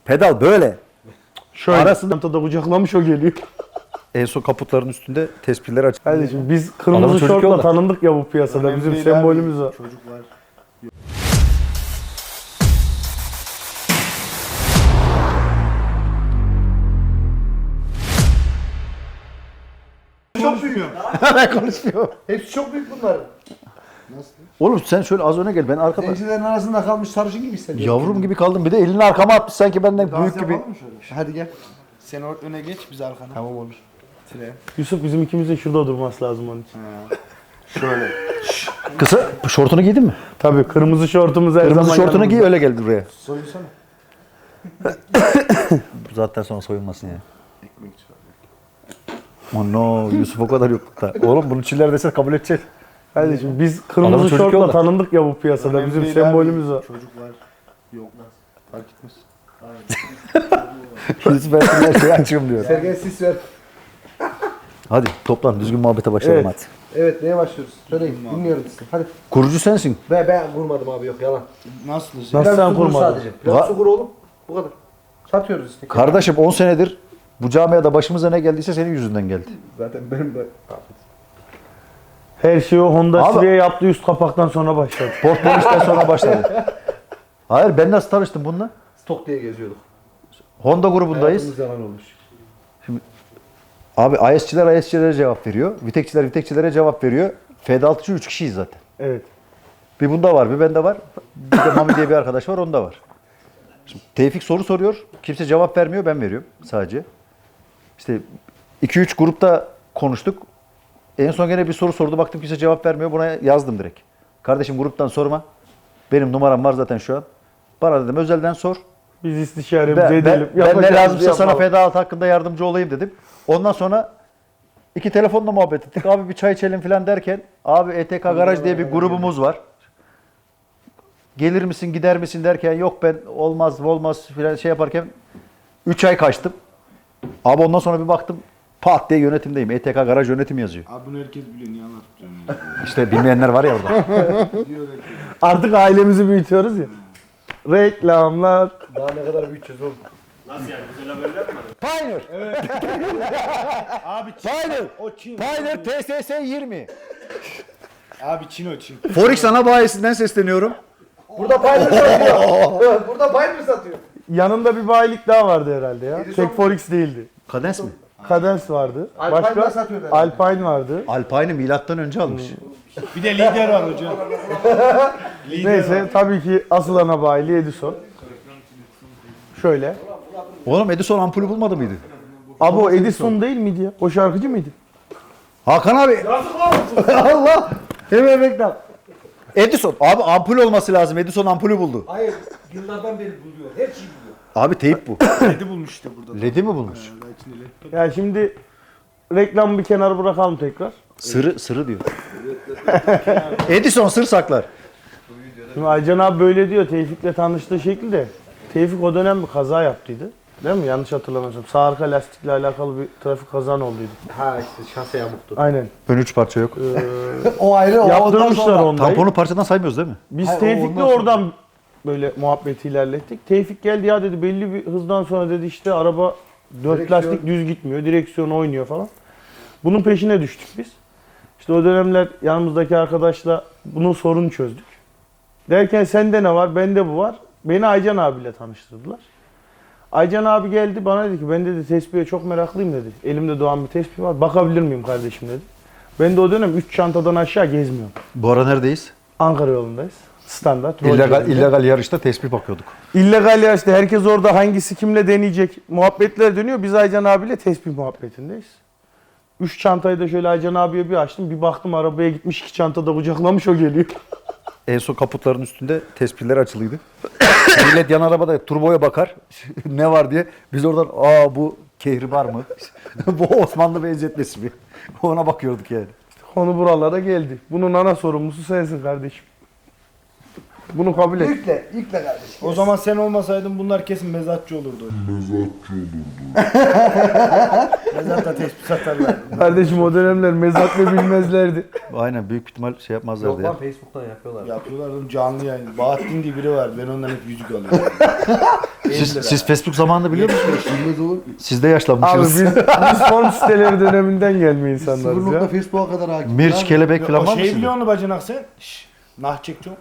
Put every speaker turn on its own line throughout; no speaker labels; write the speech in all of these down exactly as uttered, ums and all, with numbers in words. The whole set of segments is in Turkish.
Pedal böyle.
Şöyle.
Arasında
da kucaklamış o geliyor.
en son kaputların üstünde tespihler açık.
Kardeşim biz
Adamın
kırmızı
çocuk
şortla
yolda.
tanındık ya bu piyasada.
Önemli
Bizim
değil
sembolümüz
abi,
o.
Çocuklar. Çok büyük.
Ben konuşmuyorum.
Hepsi çok büyük bunlar. Nasıl?
Oğlum sen şöyle az öne gel. Ben arkada.
Zencilerin arasında kalmış sarışın gibi hissediyorum.
Yavrum gibi kaldım. Bir de elini arkama atmış sanki benden
Dans
büyük gibi.
yapalım mı şöyle? Hadi gel. Sen or- öne geç, biz arkana. Tamam olur. Tire.
Yusuf bizim ikimizin şurada durması lazım onun için.
Şöyle.
Kısa şortunu giydin mi?
Tabii kırmızı şortumuz her
Kırmızı
zaman
şortunu giy
yanımızda.
öyle gel buraya.
Soyunsana.
Bu zaten sonra soyunmasın ya.
Ekmek çıkar.
Oh no, Yusuf o kadar yoklukta. Oğlum bunu çiller dese kabul edecek.
Kardeşim biz
Adamın
kırmızı
çocuk
şortla
yolda.
tanındık ya bu piyasada.
Önemli
Bizim
değil
sembolümüz
abi,
o.
Çocuklar. Yok. Fark etmez.
Yusuf ben her şeyi açıyorum diyor.
Sergen sis ver.
Hadi toplan düzgün muhabbete başlayalım
Evet.
hadi.
Evet, neye başlıyoruz? Söyleyin, dinliyorum sizi. Hadi.
Kurucu sensin.
Ben, ben kurmadım abi, yok yalan. Nasıl?
Nasıl sen kurmadın?
Sadece. Biraz
Va-
su kur oğlum. Bu kadar. Satıyoruz işte.
Kardeşim on senedir bu camiada başımıza ne geldiyse senin yüzünden geldi.
Zaten benim de...
Her şeyi o Honda
Abi-
Civic'e yaptığı üst kapaktan sonra başladı.
Portfolişten sonra başladı. Hayır ben nasıl tanıştım bununla?
Stok diye geziyorduk.
Honda grubundayız.
Hayatımız yalan olmuş.
Abi I S'çiler I S'çilere cevap veriyor. Vitekçiler Vitekçilere cevap veriyor. F D altıcı üç kişiyiz zaten.
Evet.
Bir bunda var, bir bende var. Bir de Mami diye bir arkadaş var, onda var. Şimdi Tevfik soru soruyor. Kimse cevap vermiyor, ben veriyorum sadece. İşte iki üç grupta konuştuk. En son gene bir soru sordu. Baktım kimse cevap vermiyor. Buna yazdım direkt. Kardeşim gruptan sorma. Benim numaram var zaten şu an. Bana dedim özelden sor.
Biz istişaremizi
Ben, ben,
edelim.
ben ne
Yapacağımızı
lazımsa sana
yapalım.
feda altı hakkında yardımcı olayım dedim. Ondan sonra iki telefonla muhabbet ettik. Abi bir çay içelim falan derken abi E T K Garaj diye bir grubumuz var. Gelir misin gider misin derken yok ben olmaz olmaz filan şey yaparken üç ay kaçtım. Abi ondan sonra bir baktım pat diye yönetimdeyim. E T K Garaj yönetim yazıyor.
Abi bunu herkes biliyor, niye anlatıp
İşte bilmeyenler var ya orada.
Diyor herkes.
Artık ailemizi büyütüyoruz ya. Reklamlar.
Daha ne kadar büyüteceğiz oğlum.
Nasıl yani? Güzel haberler mi?
Pioneer.
Abi Çin.
Pioneer.
O Çin.
Pioneer T S S yirmi.
Abi Çin o Çin.
Forex ana bayisinden sesleniyorum.
Burada Pioneer satıyor. Burada Pioneer satıyor.
Yanında bir bayilik daha vardı herhalde ya.
Edison
Tek Forex değildi.
Kadens mi?
Cadence vardı.
Alpine
Başka
da satıyordu herhalde.
Alpine vardı.
Alpine'i milattan önce almış.
Bir de lider var hocam.
Neyse tabii ki asıl ana bayiliği Edison. Şöyle.
Oğlum Edison ampulü bulmadı mıydı?
Abi o Edison değil miydi ya? O şarkıcı mıydı?
Hakan abi. Allah. Hemen reklam. Edison. Abi ampul olması lazım. Edison ampulü buldu.
Hayır, yıllardan beri buluyor. Her şeyi buluyor.
Abi teyip bu.
Ledi bulmuş işte burada.
Ledi mi bulmuş?
Ya şimdi reklamı bir kenara bırakalım tekrar.
Sırı, sırı diyor. Edison sır saklar.
Şimdi Aycan abi böyle diyor Tevfik'le tanıştığı şekilde. Tevfik o dönem bir kaza yaptıydı. Değil mi? Yanlış hatırlamıyorsam. Sağ arka lastikle alakalı bir trafik kazan olduydu.
Ha işte şase yamuktu.
Aynen.
Ön üç parça yok.
O ayrı o.
Yaptırmışlar onu.
Tamponu parçadan saymıyoruz değil mi?
Biz
Hayır, o
Tevfik'le
ondan sonra.
oradan böyle muhabbeti ilerlettik. Tevfik geldi ya dedi belli bir hızdan sonra dedi işte araba dört
Direksiyon.
lastik düz gitmiyor. Direksiyon oynuyor falan. Bunun peşine düştük biz. İşte o dönemler yanımızdaki arkadaşla bunun sorunu çözdük. Derken sende ne var? Bende bu var. Beni Aycan abiyle tanıştırdılar. Aycan abi geldi bana dedi ki ben dedi tespihe çok meraklıyım dedi. Elimde doğan bir tespih var. Bakabilir miyim kardeşim dedi. Ben de o dönem üç çantadan aşağı gezmiyorum.
Bu ara neredeyiz?
Ankara yolundayız. Standart.
İllegal,
Rolcülerinde.
illegal yarışta tespih bakıyorduk.
İllegal yarışta herkes orada hangisi kimle deneyecek muhabbetler dönüyor. Biz Aycan abiyle tespih muhabbetindeyiz. Üç çantayı da şöyle Aycan abiye bir açtım. Bir baktım arabaya gitmiş iki çantada kucaklamış o geliyor.
En son kaputların üstünde tespihler açılıydı. Millet yan arabada turboya bakar. Ne var diye. Biz oradan aa bu kehribar mı? Bu Osmanlı benzetmesi mi? Ona bakıyorduk yani.
Konu buralara geldi. Bunun ana sorumlusu sensin kardeşim. Bunu kabul et.
Yükle, yükle kardeşim.
O zaman sen olmasaydın bunlar kesin mezatçı olurdu. Mezatçı olurdu. Mezatta tespih satarlardı.
Kardeşim o dönemler mezat ne bilmezlerdi.
Aynen büyük ihtimal şey yapmazlardı
Yok
ya.
lan Facebook'tan yapıyorlar.
Yapıyorlar oğlum canlı yayın. Bahattin diye biri var. Ben ondan hep yüzük alıyorum.
Siz, siz Facebook zamanında biliyor musunuz?
Bilmez olur mu?
Siz de
Abi
yaşlanmışsınız.
biz, biz form siteleri döneminden gelme
Sıfır
insanlarız
nokta
ya.
Facebook'a kadar hakim.
Mirç, kelebek falan
o
var mı
şey
sizde?
biliyor musun bacanak sen? Şşş. Nah çekeceğim.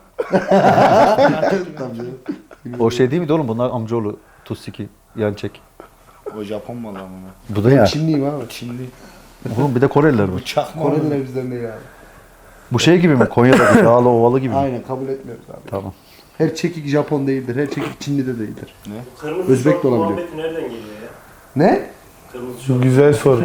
O şey değil miydi oğlum? Bunlar amcaoğlu. Tussiki, Yançek.
O Japon malı ama.
Bu da ya.
Çinliyim abi.
Çinli.
Oğlum bir de Koreliler bu.
Çakma.
Koreliler bizden değil abi.
Bu şey gibi mi? Konya'daki dağlı ovalı gibi mi?
Aynen kabul etmiyoruz abi.
Tamam.
Her çekik Japon değildir, her çekik Çinli de değildir.
Kırmızı
Özbek
şort
de olabiliyor.
muhabbeti nereden geliyor ya?
Ne?
Kırmızı şort.
Güzel soru.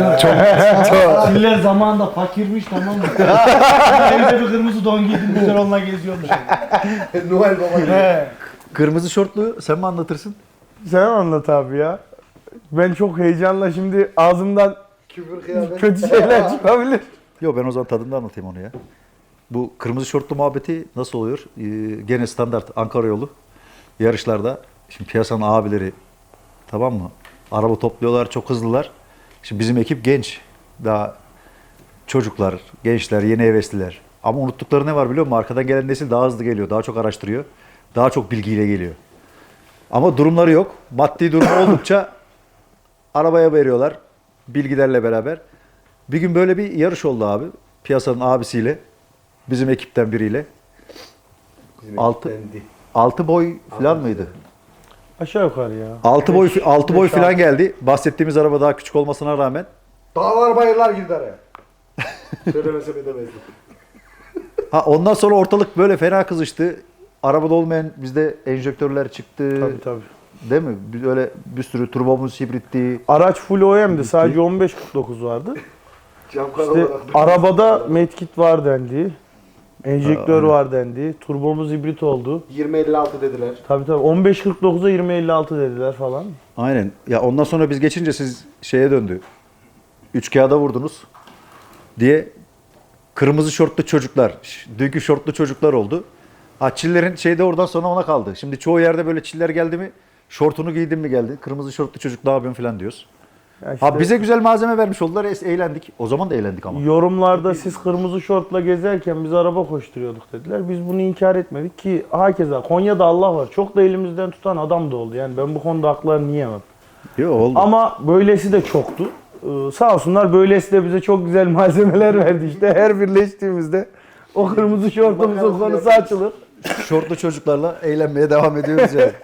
Çiller zamanında fakirmiş tamam mı? Evde bir kırmızı don giydim güzel onunla geziyormuş.
Noel Baba gibi.
Kırmızı şortlu sen mi anlatırsın?
Sen anlat abi ya. Ben çok heyecanla şimdi ağzımdan
Küfür kıyamet.
kötü şeyler çıkabilir.
Yok ben o zaman tadında anlatayım onu ya. Bu kırmızı şortlu muhabbeti nasıl oluyor? Ee, gene standart Ankara yolu yarışlarda. Şimdi piyasanın abileri tamam mı? Araba topluyorlar çok hızlılar. Şimdi bizim ekip genç. Daha çocuklar, gençler, yeni hevesliler. Ama unuttukları ne var biliyor musun? Arkadan gelen nesil daha hızlı geliyor. Daha çok araştırıyor. Daha çok bilgiyle geliyor. Ama durumları yok. Maddi durumu oldukça arabaya veriyorlar. Bilgilerle beraber. Bir gün böyle bir yarış oldu abi. Piyasanın abisiyle. Bizim ekipten biriyle. Altı, altı boy falan mıydı?
Aşağı yukarı ya.
Altı boy altı boy
beş,
falan
altı.
geldi. Bahsettiğimiz araba daha küçük olmasına rağmen.
Dağlar bayırlar girdi araya. Söylemesem edemezdim.
Ha ondan sonra ortalık böyle fena kızıştı. Arabada olmayan bizde enjektörler çıktı.
Tabii tabii.
Değil mi? Biz öyle bir sürü turbomuz hibritti.
Araç full O M'di. Sadece on beş kırk dokuz vardı.
Cam
İşte
olarak.
arabada medkit var dendi. Enjektör
Ha,
var dendi. Turbomuz hibrit oldu.
yirmi elli altı dediler.
Tabii tabii. on beş kırk dokuza yirmi elli altı dediler falan.
Aynen. Ya ondan sonra biz geçince siz şeye döndü. Üç kağıda vurdunuz diye kırmızı şortlu çocuklar, ş- dünkü şortlu çocuklar oldu. Ha çillerin şey de oradan sonra ona kaldı. Şimdi çoğu yerde böyle çiller geldi mi şortunu giydin mi geldi. Kırmızı şortlu çocuk ne yapıyorsun falan diyoruz.
Ya işte
Ha bize güzel malzeme vermiş oldular. es- Eğlendik. O zaman da eğlendik ama.
yorumlarda siz kırmızı şortla gezerken biz araba koşturuyorduk dediler. Biz bunu inkar etmedik ki hakeza Konya'da Allah var. Çok da elimizden tutan adam da oldu. Yani ben bu konuda haklarını yiyemem.
Yok oldu.
Ama böylesi de çoktu. Ee, sağ olsunlar böylesi de bize çok güzel malzemeler verdi işte. Her birleştiğimizde o kırmızı şortumuzun konusu açılır.
Şortlu çocuklarla eğlenmeye devam ediyoruz yani.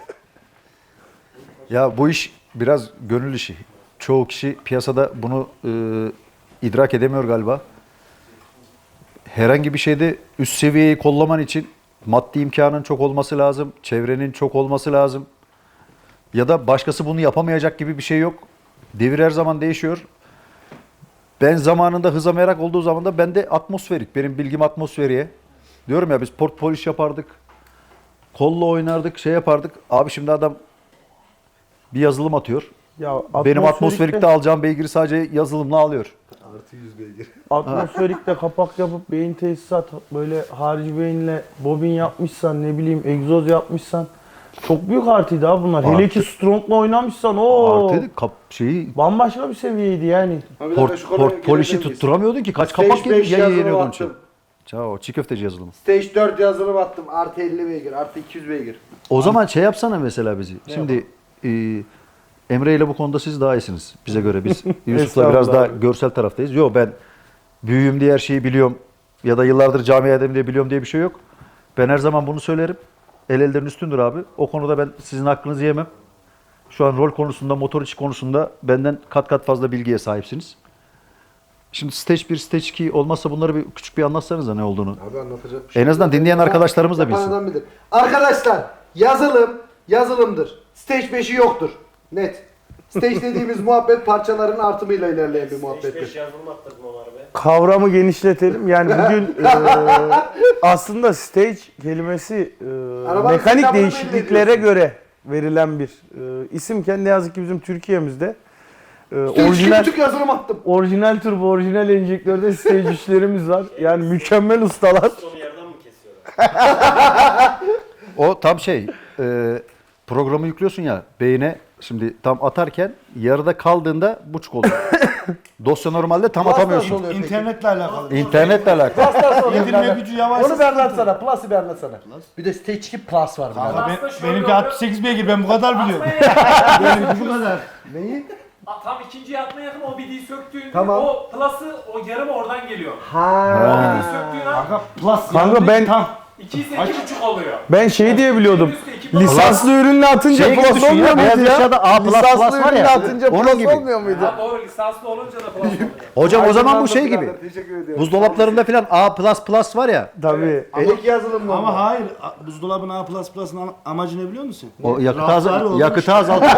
Ya bu iş biraz gönül işi. Çoğu kişi piyasada bunu e, idrak edemiyor galiba. Herhangi bir şeyde üst seviyeyi kollaman için maddi imkanın çok olması lazım, çevrenin çok olması lazım. Ya da başkası bunu yapamayacak gibi bir şey yok. Devir her zaman değişiyor. Ben zamanında hıza merak olduğu zaman da ben de atmosferik. Benim bilgim atmosferiye. Diyorum ya biz port polish yapardık. Kolla oynardık, şey yapardık. Abi şimdi adam bir yazılım atıyor.
Ya
Benim atmosferikte alacağım beygiri sadece yazılımla alıyor.
Artı yüz beygir.
Atmosferikte kapak yapıp beyin tesisat böyle harici beyinle bobin yapmışsan ne bileyim egzoz yapmışsan çok büyük artıydı abi bunlar. Hele
Artı.
ki Strong'la oynamışsan o
Artı kap şeyi
bambaşka bir seviyeydi yani.
port, port polişi tutturamıyordun ki. Kaç kapak
Stage
yedi,
beş
ya
yazılım
yeniyordun
attım.
için. Çao, çiğ köfteci yazılımı.
Stage dört yazılım attım. Artı elli beygir, artı iki yüz beygir.
O zaman şey yapsana mesela bizi. Şimdi e, Emre ile bu konuda siz daha iyisiniz bize göre. Biz Yusuf'la biraz daha
Estağfurullah.
görsel taraftayız. Yok ben büyüğüm diye her şeyi biliyorum ya da yıllardır camiadayım diye biliyorum diye bir şey yok. Ben her zaman bunu söylerim. El elden üstündür abi. O konuda ben sizin hakkınızı yemem. Şu an rol konusunda, motor içi konusunda benden kat kat fazla bilgiye sahipsiniz. Şimdi stage bir, stage iki olmazsa bunları bir küçük bir anlatsanıza ne olduğunu.
Abi anlatacak bir şey
En azından dinleyen arkadaşlarımız da
Yapan
bilsin.
adam bilir. Arkadaşlar yazılım yazılımdır. Stage beşi yoktur. Net. Stage dediğimiz muhabbet parçaların artımıyla ilerleyen bir
beş
muhabbettir.
yazılım attırdım o arabaya.
Kavramı genişletelim. Yani bugün e, aslında stage kelimesi e,
Arabanın
mekanik
sinyalını belli
değişikliklere
ediyorsun.
göre verilen bir e, isimken ne yazık ki bizim Türkiye'mizde e,
Stage
orijinal
küçük yazılım attım.
orijinal turbo, orijinal enjektörde stage işlerimiz var. Yani mükemmel ustalar.
Sonu yerden mi kesiyorlar?
O tam şey, e, programı yüklüyorsun ya beyine, şimdi tam atarken yarıda kaldığında buçuk oluyor. Dosya normalde tam
Plus nasıl
atamıyorsun.
oluyor peki?
İnternetle alakalı.
İnternetle alakalı.
Plus nasıl oluyor?
İndirme
birader?
gücü yavaş.
Onu bir anlatsana. Plus'ı bir anlatsana. Bir de Stage iki Plus var. birader.
Kanka ben,
Aslında şöyle
benimki
oluyor.
altmış sekiz beygir, ben bu kadar biliyorum.
Benimki bu kadar.
Neyi?
A- Tam ikinci yatmaya yakın o bidiği söktüğünde
Tamam.
o plus'ı o yarım oradan geliyor.
Ha.
Bidiği söktüğün an
Kanka plus
Kanka
yani
ben-
tam.
iki ise iki buçuk oluyor.
Ben şey diye biliyordum.
Üstü iki plus.
Lisanslı ürünle atınca
Şey gibi
plus
düşün ya,
olmuyor
beyaz
muydu ya?
eşyada A plus plus
Lisanslı
var
ürünle
ya,
atınca
onun
plus
gibi.
olmuyor muydu?
Ha doğru lisanslı olunca da plus oluyor.
Hocam o zaman bu şey
Aydınlandım
gibi.
birader, Teşekkür ediyorum.
Buzdolaplarında falan A plus plus var ya.
Tabii.
Ek yazılım mı?
Ama hayır, a- buzdolabının A plus plus'ın ama- amacı ne biliyor musun?
O yakıtı,
Raflar
azal
olmuş.
yakıtı azaltıyor.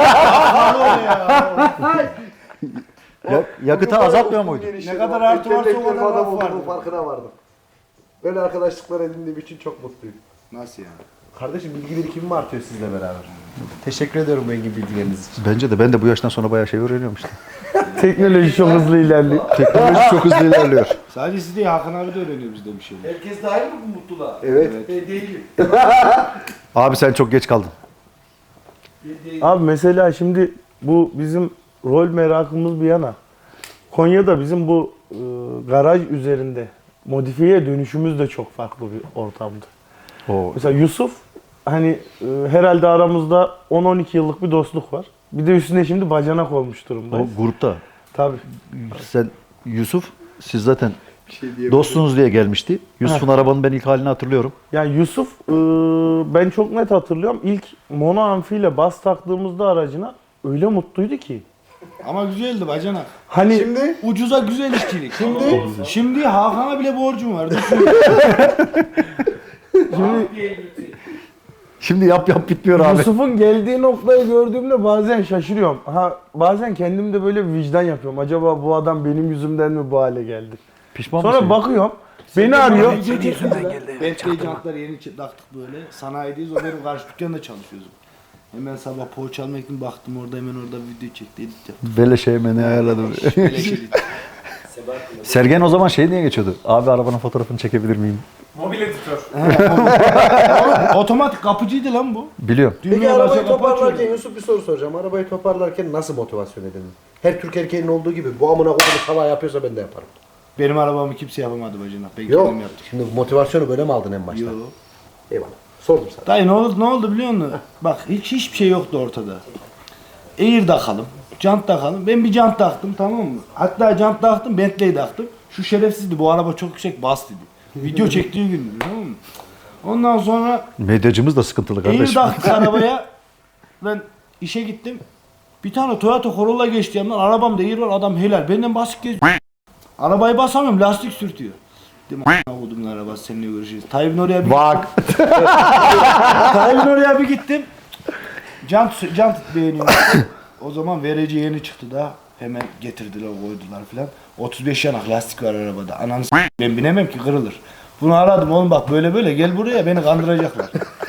Ya- yakıtı azaltmıyor muydu?
Ne kadar artı varsa o
İntelektüel
kadar
adam
laf
olduğunun
vardır.
farkına vardım. Böyle arkadaşlıklar edindiğim için çok mutluyum.
Nasıl yani?
Kardeşim bilgi birikimim artıyor sizle beraber. Teşekkür ediyorum engin bilgileriniz için.
Bence de ben de bu yaştan sonra bayağı şey öğreniyorum işte.
Teknoloji çok hızlı ilerliyor.
Teknoloji çok hızlı ilerliyor.
Sadece siz değil, Hakan abi de öğreniyor bizden bir şeyler.
Herkes dahil mi bu mutluluğa? Evet. Değil.
Abi sen çok geç kaldın.
Abi mesela şimdi bu bizim rol merakımız bir yana. Konya'da bizim bu e, garaj üzerinde modifiye dönüşümüz de çok farklı bir ortamdı.
O
Mesela Yusuf hani e, herhalde aramızda on on iki yıllık bir dostluk var. Bir de üstüne şimdi bacanak olmuş durumdayız.
o grupta.
Tabii.
Sen Yusuf, siz zaten
Bir şey diyeyim.
dostunuz diye gelmişti. Yusuf'un arabanın ben ilk halini hatırlıyorum.
Yani Yusuf e, ben çok net hatırlıyorum. İlk mono amfiyle bas taktığımızda aracına öyle mutluydu ki.
Ama güzeldi bacanak.
Hani
Şimdi
Ucuza güzel işçilik. Şimdi şimdi Hakan'a bile borcum var. Düşün.
şimdi
Şimdi yap yap bitmiyor abi.
Yusuf'un geldiği noktayı gördüğümde bazen şaşırıyorum. Ha bazen kendim de böyle bir vicdan yapıyorum. Acaba bu adam benim yüzümden mi bu hale geldi?
Pişman
Sonra
mısın?
bakıyorum. Beni arıyor.
Belki jantlar yeni çı- taktık böyle. Sanayideyiz. O benim karşı dükkanda çalışıyoruz. Hemen sabah poğaça almak için baktım orada, hemen orada video çekti, edit yaptı.
Beleşe hemen ayarladım.
Beleş edit.
Sergen o zaman şey niye geçiyordu? Abi arabanın fotoğrafını çekebilir miyim?
Mobil editör.
Otomatik kapıcıydı lan bu.
Biliyorum.
Peki
Düğmeye
arabayı
basıyor, kapı
toparlarken
açıyor.
Yusuf bir soru soracağım. Arabayı toparlarken nasıl motivasyon edindin? Her Türk erkeğinin olduğu gibi bu amına koyduğum salağı yapıyorsa ben de yaparım.
Benim arabamı kimse yapamadı bacanak. Ben
Yok.
kendim yaptım.
Şimdi motivasyonu böyle mi aldın en başta?
Yok.
Eyvallah. Sordum sana.
Dayı ne oldu, ne oldu biliyor musun? Bak hiç hiçbir şey yoktu ortada. Air takalım, jant takalım. Ben bir jant taktım, tamam mı? Hatta jant taktım, Bentley taktım. Şu şerefsizdi, bu araba çok yüksek, bas dedi. Video çektiği gün, tamam mı? Ondan sonra
Medyacımız da sıkıntılı
Air
kardeşim.
taktık arabaya. Ben işe gittim. Bir tane Toyota Corolla geçti yanımdan. Arabamda Air var, adam helal. Benden basık geziyor. Arabayı basamıyorum, lastik sürtüyor. Dedim a**ına kodumun arabası, seninle görüşeceğiz. Tayyip'in oraya bir
Bak.
Tayyip'in oraya bir gittim. Jant, jant beğeniyorum. O zaman verici yeni çıktı da hemen getirdiler, koydular filan. otuz beş yanak lastik var arabada. Ananı s*** ben binemem ki, kırılır. Bunu aradım, oğlum bak böyle böyle gel buraya, beni kandıracaklar.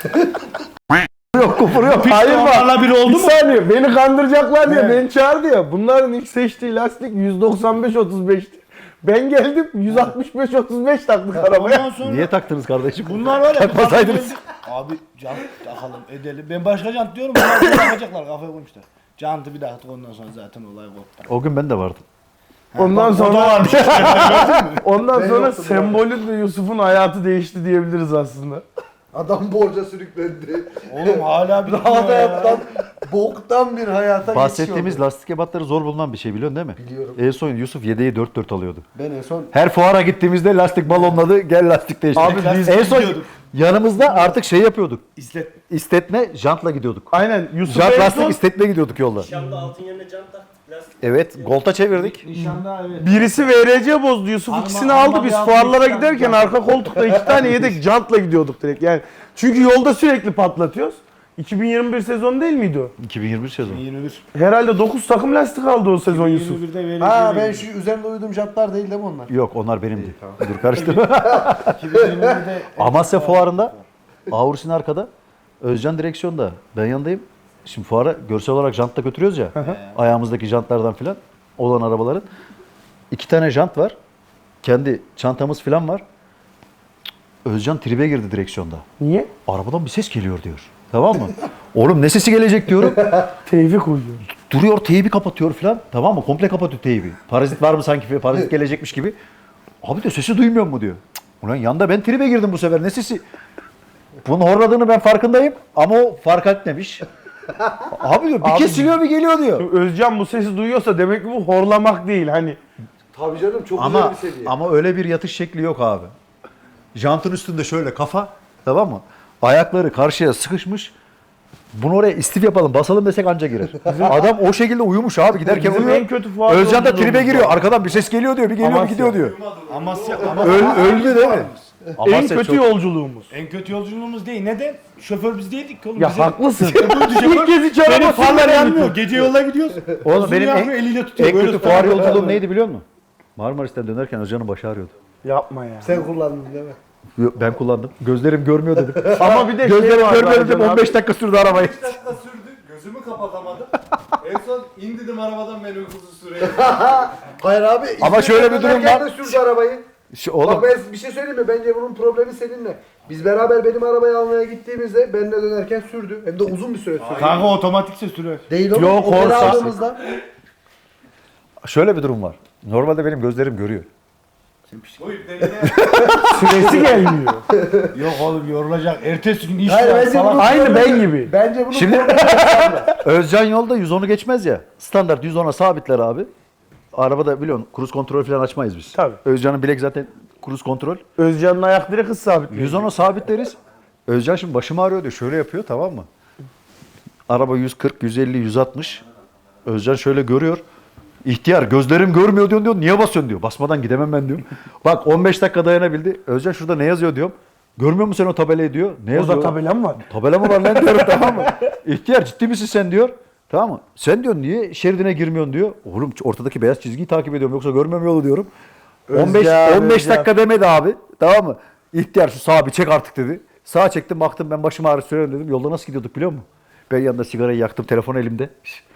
Yok kufur yok. Hayır bak.
Onlarla biri oldu
Bir
mu?
saniye beni kandıracaklar diye
Evet.
beni çağırdı ya. Bunların ilk seçtiği lastik yüz doksan beş otuz beşti. Ben geldim yüz altmış beş otuz beş taktık arabaya.
Ondan sonra
Niye taktınız kardeşim?
bunlar var ya.
Takmasaydınız.
Abi jant takalım edelim. Ben başka jant diyorum, bunlar bunu takacaklar, kafaya koymuşlar. Jantı bir taktık, ondan sonra zaten olay koptu.
O gün ben de vardım.
Ondan
O da
sonra
varmış.
ondan
Ben
sonra
yoktum
sembolü de Yusuf'un hayatı değişti diyebiliriz aslında.
Adam borca sürüklendi.
Oğlum hala bir
Daha da hayattan, boktan bir hayata
Bahsettiğimiz
geçiyordu.
lastik ebatları zor bulunan bir şey biliyorsun değil mi?
Biliyorum.
En son Yusuf yedeği dört dört alıyordu.
Ben en son
Her fuara gittiğimizde lastik balonladı, gel lastik değiştir.
Abi biz
en son
gidiyorduk.
yanımızda artık şey yapıyorduk.
İstet.
İstetme jantla gidiyorduk.
Aynen Yusuf
Jant
en
lastik
son
istetme gidiyorduk yolda.
Nişanda altın yerine jant tak. Lastik.
Evet, Golt'a çevirdik.
Nişanda evet.
birisi V R C bozdu. Yusuf
Arma-
ikisini
arma
aldı. Biz
bir
fuarlara
altmış
giderken
tane
arka koltukta iki tane yedek jantla gidiyorduk direkt. Yani çünkü yolda sürekli patlatıyoruz. iki bin yirmi bir sezon değil miydi o?
iki bin yirmi bir sezon.
yirmi bir.
Herhalde dokuz takım lastik aldı o sezon Yusuf.
yirmi birde verici.
ha ben şu üzerinde uyuduğum jantlar değil değil mi onlar?
Yok, onlar benimdi. Dur karıştırma.
iki bin yirmi birde
Amasya fuarında, Aurus'un arkada, Özcan direksiyonda, ben yanındayım. Şimdi fuara görsel olarak jantla götürüyoruz ya, ayağımızdaki jantlardan filan olan arabaların. İki tane jant var, kendi çantamız filan var. Özcan tribe girdi direksiyonda.
Niye?
Arabadan bir ses geliyor diyor. Tamam mı? Oğlum ne sesi gelecek diyorum.
Tevfik uyuyor.
Duruyor teybi kapatıyor falan. Tamam mı? Komple kapatıyor teybi. Parazit var mı sanki? Parazit gelecekmiş gibi. Abi diyor sesi duymuyor mu diyor. Cık, ulan yanda ben tribe girdim bu sefer. Ne sesi? Bunun horladığını ben farkındayım. Ama o fark etmemiş. Abi diyor bir
Abi-
kesiliyor bir geliyor diyor.
Özcan bu sesi duyuyorsa demek ki bu horlamak değil hani.
Tabii canım çok güzel
Ama
bir seviye.
ama öyle bir yatış şekli yok abi. Jantın üstünde şöyle kafa, tamam mı? Ayakları karşıya sıkışmış. Bunu oraya istif yapalım, basalım desek anca girer. Adam o şekilde uyumuş abi giderken
Bizim
uyuyor.
en kötü fuar
Özcan da
yolculuğumuz
tribe giriyor.
var.
Arkadan bir ses geliyor diyor, bir geliyor bir
Amasya.
gidiyor diyor.
Amasya,
Öl, öldü değil mi?
En
Amasya
kötü
çok-
yolculuğumuz.
En kötü yolculuğumuz değil. Neden? Şoför biz değildik ki oğlum.
Ya
Bize-
haklısın.
Şoför-
İlk kez hiç
Benim
araba
farlar
sürmeden
yanmıyor.
gidiyor.
Gece yola gidiyoruz.
Oğlum
Uzun
benim
yanmıyor,
en,
eliyle tutuyor.
en
Böyle
kötü
tutar.
fuar yolculuğum neydi biliyor musun? Marmaris'ten dönerken Özcan'ın başı ağrıyordu.
Yapma ya.
Sen kullandın değil mi?
Yo, Ben kullandım. Gözlerim görmüyor dedim.
Ama bir de şey
Gözlerim
var.
görmüyor
Ercan
dedim.
abi.
on beş dakika sürdü arabayı.
beş dakika sürdü. Gözümü kapatamadım. En son indirdim arabadan beni uykusuz süreye.
Hayır abi.
Ama şöyle bir durum
İzmir'den
var.
de sürdü arabayı.
Şu, oğlum
Bak ben bir şey söyleyeyim mi? Bence bunun problemi seninle. Biz beraber benim arabayı almaya gittiğimizde benimle dönerken sürdü. Hem de uzun bir süre sürdü.
Kanka otomatikse sürüyor.
Değil oğlum.
Yok,
o beni
Corsa.
aldığımızda.
şöyle bir durum var. Normalde benim gözlerim görüyor.
Bu iplerine
Süresi gelmiyor.
Yok oğlum yorulacak. Ertesi gün iş
Hayır
var.
bence
Salak.
bunun
Aynı
problemi-
ben gibi.
Bence bunun
Şimdi-
problemi
Özcan yolda yüz onu geçmez ya. Standart yüz ona sabitler abi. Arabada biliyorsun kruz kontrol falan açmayız biz.
Tabii.
Özcan'ın bilek zaten kruz kontrol.
Özcan'ın ayak direkt hız sabitliyor.
yüz ona sabitleriz. Özcan şimdi başım ağrıyor diyor. Şöyle yapıyor tamam mı? Araba yüz kırk, yüz elli, yüz altmış. Özcan şöyle görüyor. İhtiyar gözlerim görmüyor diyor, diyor. Niye basıyorsun diyor. Basmadan gidemem ben diyorum. Bak on beş dakika dayanabildi. Özcan şurada ne yazıyor diyorum. Görmüyor musun sen o tabelayı diyor. Ne yazıyor?
Orada tabela mı var?
Tabela mı var lan diyorum tamam mı? İhtiyar ciddi misin sen diyor. Tamam mı? Sen diyor niye şeridine girmiyorsun diyor. Oğlum ortadaki beyaz çizgiyi takip ediyorum yoksa görmüyorum yolu diyorum. on beş
Özcan,
on beş
Özcan.
dakika demedi abi. Tamam mı? İhtiyar şu sağa bir çek artık dedi. Sağa çektim baktım ben başım ağrı söylüyorum dedim. Yolda nasıl gidiyorduk biliyor musun? Ben yanında sigarayı yaktım telefon elimde.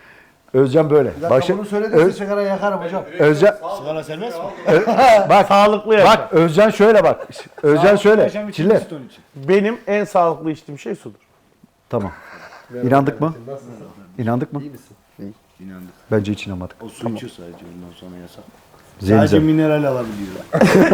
Özcan böyle.
Bir dakika
Başı,
bunu söyle de
Öz-
size sigara yakarım hocam.
Özcan
Sigara serbest mi?
bak
Sağlıklı yaşa.
bak Özcan şöyle bak. Özcan şöyle.
Yaşam için
Çiller.
basit onun için.
Benim en sağlıklı içtiğim şey sudur.
Tamam. İnandık mı?
Nasılsın?
İnandık mı?
İyi misin?
İnandık.
Bence hiç inanmadık.
O su içiyor sadece ondan sonra yasak.
Zemzem.
Sadece mineral alabiliyor.